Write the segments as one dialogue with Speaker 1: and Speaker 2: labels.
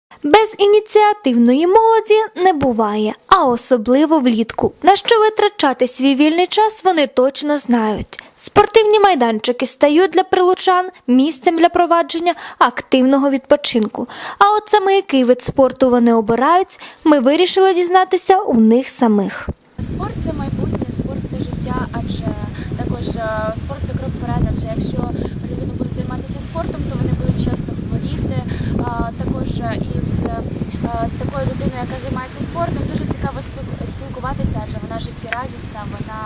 Speaker 1: Без ініціативної молоді не буває, а особливо влітку. На що витрачати свій вільний час вони точно знають. Спортивні майданчики стають для прилучан місцем для провадження активного відпочинку. А от саме який вид спорту вони обирають, ми вирішили дізнатися у них самих.
Speaker 2: Спорт – це майбутнє, спорт – це життя, адже також спорт – це крок вперед, адже якщо люди будуть займатися спортом, то вони будуть часто хворіти. Також із такою людиною, яка займається спортом, дуже цікаво спілкуватися, адже вона життєрадісна,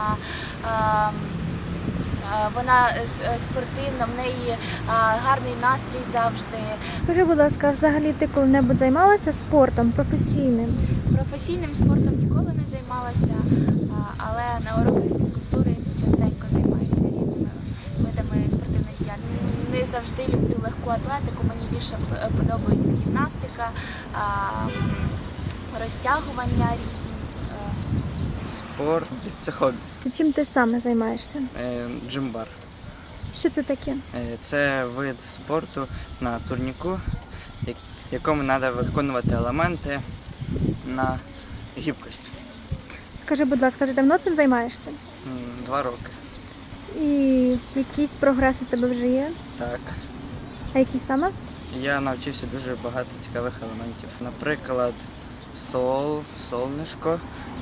Speaker 2: вона спортивна, в неї гарний настрій завжди.
Speaker 1: Скажи, будь ласка, взагалі ти коли-небудь займалася спортом професійним?
Speaker 2: Професійним спортом ніколи не займалася, але на уроках фізкультури частенько займаюся різними видами спортивної діяльності. Не завжди люблю легку атлетику, мені більше подобається гімнастика, розтягування різні.
Speaker 3: Спорт – це хобі.
Speaker 1: Чим ти саме займаєшся?
Speaker 3: Джимбар.
Speaker 1: Що це таке?
Speaker 3: Це вид спорту на турніку, в якому треба виконувати елементи на гібкость.
Speaker 1: Скажи, будь ласка, ти давно цим займаєшся?
Speaker 3: 2 роки.
Speaker 1: І якийсь прогрес у тебе вже є?
Speaker 3: Так.
Speaker 1: А який саме?
Speaker 3: Я навчився дуже багато цікавих елементів. Наприклад, солнишко,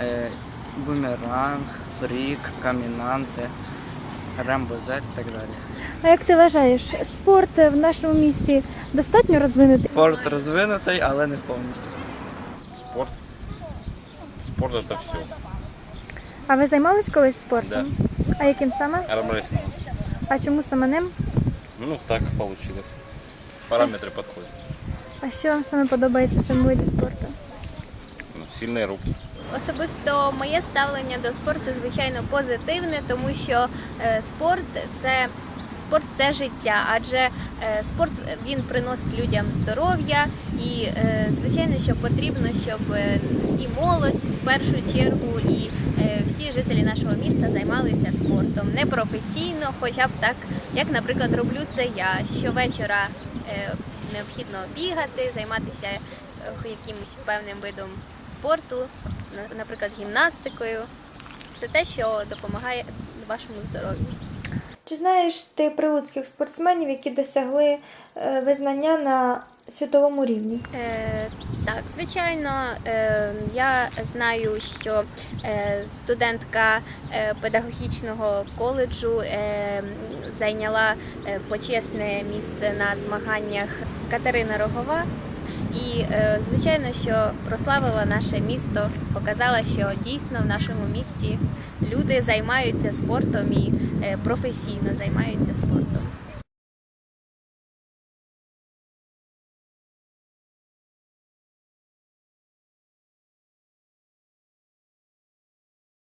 Speaker 3: бумеранг, фрік, камінанти, рембо-зет і так далі.
Speaker 1: А як ти вважаєш, спорт в нашому місті достатньо розвинутий?
Speaker 3: Спорт розвинутий, але не повністю.
Speaker 4: Спорт. Спорт это все.
Speaker 1: А ви займались колись спортом?
Speaker 4: Да.
Speaker 1: А яким саме?
Speaker 4: Армрестлинг.
Speaker 1: А чому саме ним?
Speaker 4: Ну так получилось. Параметры подходят.
Speaker 1: А що вам саме подобається в цьому виді спорту?
Speaker 4: Ну, сильные руки.
Speaker 5: Особисто моє ставлення до спорту, звичайно, позитивне, тому що спорт це життя, адже спорт він приносить людям здоров'я і, звичайно, що потрібно, щоб і молодь в першу чергу, і всі жителі нашого міста займалися спортом. Не професійно, хоча б так, як, наприклад, роблю це я. Щовечора необхідно бігати, займатися якимось певним видом спорту, наприклад, гімнастикою. Все те, що допомагає вашому здоров'ю.
Speaker 1: Чи знаєш ти прилуцьких спортсменів, які досягли визнання на світовому рівні?
Speaker 5: Так, звичайно, я знаю, що студентка педагогічного коледжу зайняла почесне місце на змаганнях Катерина Рогова. І, звичайно, що прославила наше місто, показала, що дійсно в нашому місті люди займаються спортом і професійно займаються спортом.